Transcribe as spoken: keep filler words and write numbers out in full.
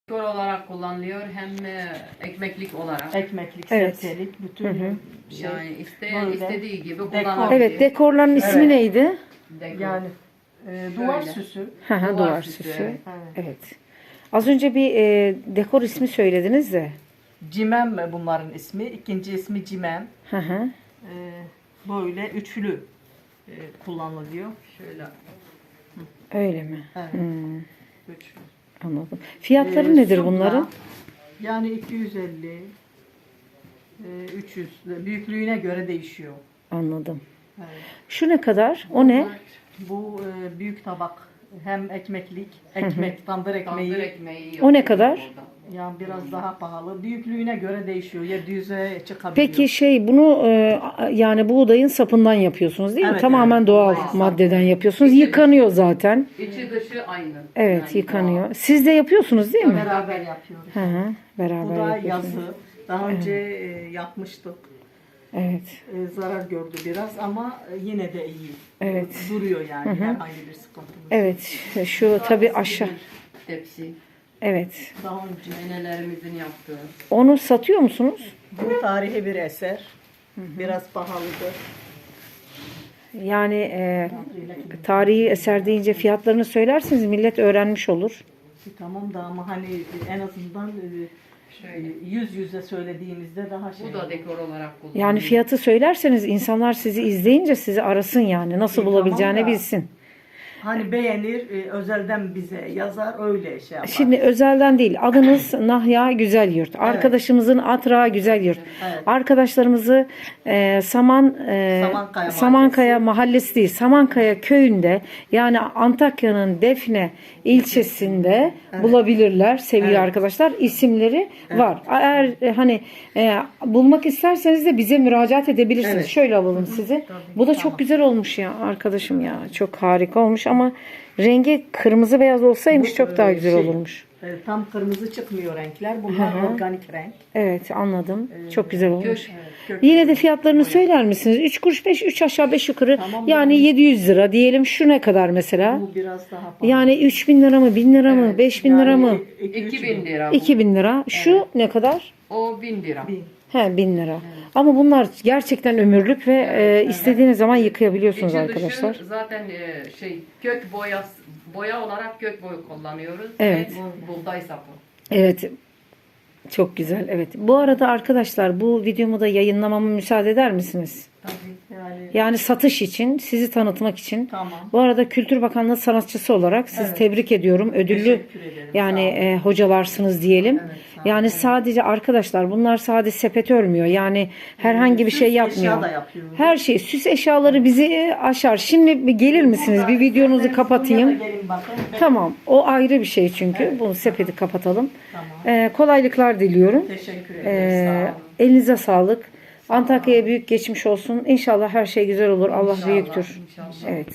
Dekor olarak kullanılıyor hem e, ekmeklik olarak. Ekmeklik, Evet. sebzelik, bütün Hı hı. şey. Yani isteyen Böyle. istediği gibi Dekor. kullanabilir. Evet, dekorların ismi Evet. neydi? Dekor. Yani e, duvar Şöyle. süsü. Hı hı, Duvar duvar süsü, süsü. evet. Evet. Evet. Az önce bir e, dekor ismi söylediniz de. Cimem bunların ismi. İkinci ismi cimem. Hı hı. E, böyle üçlü e, kullanılıyor. Şöyle. Öyle mi? Evet. Hmm, Üçlü. anladım. Fiyatları E, nedir supla, bunların? Yani iki yüz elli, e, üç yüz. Büyüklüğüne göre değişiyor. Anladım. Evet. Şu ne kadar? O ne? Bu e, büyük tabak. Hem ekmeklik, ekmek, tandır ekmeği. Tandır ekmeği O ne yapıyor kadar? burada. Yani biraz daha pahalı. Büyüklüğüne göre değişiyor. yedi yüze çıkabiliyor. Peki şey bunu e, yani buğdayın sapından yapıyorsunuz değil mi? Evet, Tamamen evet. doğal Buğday maddeden sapı. yapıyorsunuz. İçi Yıkanıyor zaten. İçi dışı aynı. Evet, Yani yıkanıyor. Siz de yapıyorsunuz değil mi? Beraber yapıyoruz. Hı hı. Beraber Bu da yapıyorsunuz. yazı. Daha önce e, yapmıştık. Evet. E, zarar gördü biraz ama e, yine de iyi. Evet. Duruyor yani. Herhangi bir sıkıntımız. Evet. Şu tabii aşağı. bir Tepsi. Evet. Daha önce Nenelerimizin yaptığı. Onu satıyor musunuz? bu tarihi bir eser. Biraz pahalıdır. Yani e, tarihi eser deyince fiyatlarını söylerseniz millet öğrenmiş olur. E, Tamam da ama hani en azından e, Şöyle. yüz yüze söylediğimizde daha şey. Bu da dekor olarak kullanılıyor. Yani fiyatı söylerseniz insanlar sizi izleyince sizi arasın yani. Nasıl E, bulabileceğini tamam da- bilsin. Hani beğenir, e, özelden bize yazar öyle şey yapar. Şimdi özelden değil. Adınız Nahya Güzel Yurt. Arkadaşımızın Atra Güzel Yurt. Evet. Arkadaşlarımızı e, Saman e, Samankaya Samankaya mahallesi değil, Samankaya köyünde yani Antakya'nın Defne ilçesinde bulabilirler sevgili Evet. arkadaşlar. İsimleri var. Eğer e, hani e, bulmak isterseniz de bize müracaat edebilirsiniz. Evet. Şöyle alalım sizi. Bu da çok güzel olmuş ya arkadaşım ya. Çok harika olmuş ama rengi kırmızı beyaz olsaymış Bu, çok daha e, güzel şey, olmuş. e, tam kırmızı çıkmıyor renkler. Bunlar Hı hı. organik renk. Evet anladım. Çok güzel olmuş. Kök. Kök- Yine de fiyatlarını söyler misiniz? üç kuruş beş, üç aşağı beş yukarı. Tamam, Yani yani- yedi yüz lira diyelim. Şu ne kadar mesela? Bu biraz daha pahalı. Yani üç bin lira mı, bin lira mı, beş bin lira mı? iki bin lira bu. iki bin lira. Şu ne kadar? O bin lira. Bin. He bin lira. Ama bunlar gerçekten ömürlük ve e, istediğiniz zaman yıkayabiliyorsunuz İçi arkadaşlar. dışı zaten e, şey kök boya boya olarak kök boyu kullanıyoruz. Evet. Ve buğday sapı. Evet. Çok güzel. Evet. Bu arada arkadaşlar bu videomu da yayınlamama müsaade eder misiniz? Tabii yani Yani satış için, sizi tanıtmak için. tamam. Bu arada Kültür Bakanlığı sanatçısı olarak sizi Evet. tebrik ediyorum. Ödüllü Teşekkür ederim. yani Sağ olun. e, hocalarsınız diyelim. Evet, sağ olun. Yani Evet. sadece arkadaşlar bunlar sadece sepet örmüyor. Yani herhangi bir Süs şey eşya yapmıyor. da yapıyoruz. Her şey süs eşyaları bizi e, aşar. Şimdi bir gelir misiniz? Bir videonuzu İsterseniz kapatayım. buraya da gelin bakın. Tamam. O ayrı bir şey çünkü. Bunu sepeti kapatalım. Tamam. E, kolaylıklar diliyorum. Teşekkür ederiz. E, Sağ olun. elinize sağlık. Antakya'ya büyük geçmiş olsun. İnşallah her şey güzel olur. Allah İnşallah, büyüktür. inşallah. Evet.